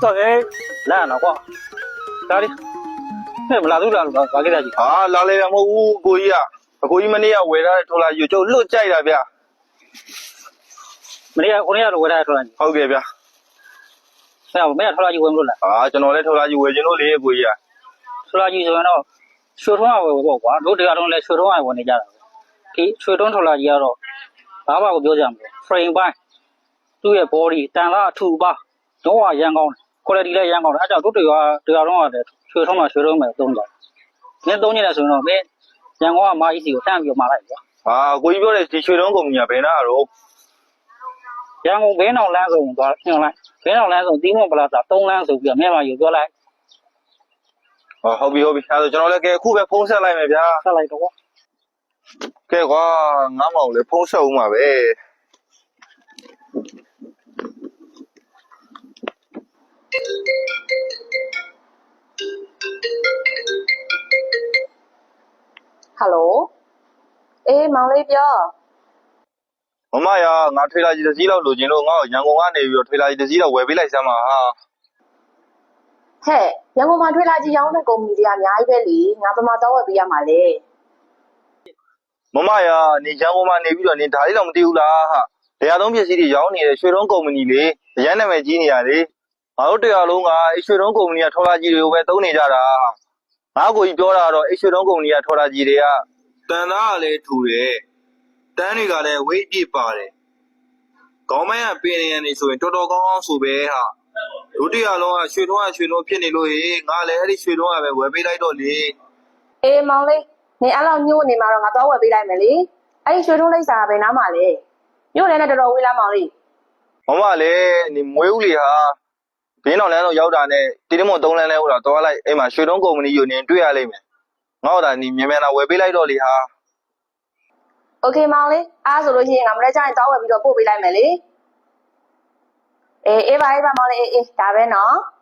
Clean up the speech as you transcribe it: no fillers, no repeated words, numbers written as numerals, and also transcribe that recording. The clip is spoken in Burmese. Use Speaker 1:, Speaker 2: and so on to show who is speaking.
Speaker 1: OK，来了哇，哪里？那不拉都拉了，把给他去。
Speaker 2: 啊，拉来了我过去啊，过去么你要为了拖拉就落ใจ了别，
Speaker 1: 没得，我那要是为啥拖拉机？
Speaker 2: 好嘅别，
Speaker 1: 哎呀，我没要拖拉机为不了，
Speaker 2: 啊，ကျွန်တော်လည်း拖拉ကြီးဝယ်ခြင်းလို့လေကိုကြီးอ่ะ
Speaker 1: 拖拉机是那水桶啊，我管，都这样东来水桶啊，我那家的，给水桶拖拉机啊，爸爸我表讲的，frame 板，都要玻璃，单拉土把，中华阳光，过来地来阳光的，俺家都这样东啊的，水桶嘛，水桶嘛，东家，你东家的时候呢，没阳光买一些有单表买来的。
Speaker 2: 啊ကိုကြီးပြောတဲ့ဒီရွှေတုံးကုမ္ပဏီကဘယ်နာတော့
Speaker 1: ရန်ကုန်ဘင်းအောင်လမ်းဆုံးသွားညွှန်လိုက်ဘင်းအောင်လမ်းဆုံးတီးမွန်ပလာဇာ3လမ်းဆိုပြီးတော့မြန်မာယူပြောလိုက်
Speaker 2: ဟုတ်ပြီအဲဒါကျွန်တော်လည်းကဲအခုပဲဖုန်းဆက်လိုက်မယ်ဗျာ
Speaker 1: ဆက်လိုက်တော့
Speaker 2: ကဲကွာငါ့မောင်လည်းဖုန်းဆက်ဦးမှာပဲ
Speaker 3: ဟယ်လိုအေးမောင်လေးပြော
Speaker 2: မမရငါထွေလာကြီးတစ်စီးလောက်လိုချင်လို့ငါ့ကိုရန်ကုန်ကနေပြီးတော့ထွေလာကြီးတစ်စီးလောက်ဝယ်ပေးလိုက်စမ်းပါဟာ
Speaker 3: ဟဲ့ရန်ကုန်မှာထွေလာကြီးရောင်းတဲ့ကုမ္ပဏီတွေကအများကြီးပဲလေငါပမာတော့ဝယ်ပေးရမှာလေ
Speaker 2: မမရနေရန်ကုန်မှာနေပြီးတော့နေဒါလေးတော့မသိဘူးလားဟာတရားသုံးပစ္စည်းတွေရောင်းနေတဲ့ရွှေတုံးကုမ္ပဏီလေအရန်နာမည်ကြီးနေရလေငါတို့တရားလုံးကအဲ့ရွှေတုံးကုမ္ပဏီကထော်လာကြီးတွေကိုပဲသုံးနေကြတာငါကိုကြီးပြောတာတော့အဲ့ရွှေတုံးကုမ္ပဏီကထော်လာကြီးတွေကတန်သားကလည်းထူတယ်တန်းတွေကလည်းဝိတ်ပြစ်ပါတယ်ခေါင်းမိုင်းကပင်နေရနေဆိုရင်တော်တော်ကောင်းကောင်းဆိုပဲဟာဒုတိယလုံးကရွှေထုံးဖြစ်နေလို့ဟေးငါလည်းအဲ့ဒီရွှေထုံးကပဲဝယ်ပေးလိုက်တော့လေ
Speaker 3: အေးမောင်လေးနေအဲ့လောက်ညို့နေမှာတော့ငါတော့ဝယ်ပေးလိုက်မယ်လေအဲ့ဒီရွှေထုံးလိပ်စာကဘယ်နားမှာလဲညို့လည်းနဲ့တော်တော်ဝေးလားမောင်လေး
Speaker 2: မမလည်းနေမွေးဦးလေဟာဘင်းတော်လမ်းတော့ရောက်တာနဲ့တီတမွန်3လမ်းလဲဟိုတော့သွားလိုက်အဲ့မှာရွှေထုံးကုမ္ပဏီကိုနေတွေ့ရလိမ့်မယ်ငါ့တော့နေမြန်မြန်လာဝယ်ပေးလိုက်တော့လေဟာ
Speaker 3: โอเคမောင်လေးအားဆိုလို့ရှိရင်ငါမနေ့ကျရင်တော့ဝယ်ပြီးတော့ပို့ပေးလိုက်မယ်လေအေးပါမောင်လေးအေးဒါပဲနော်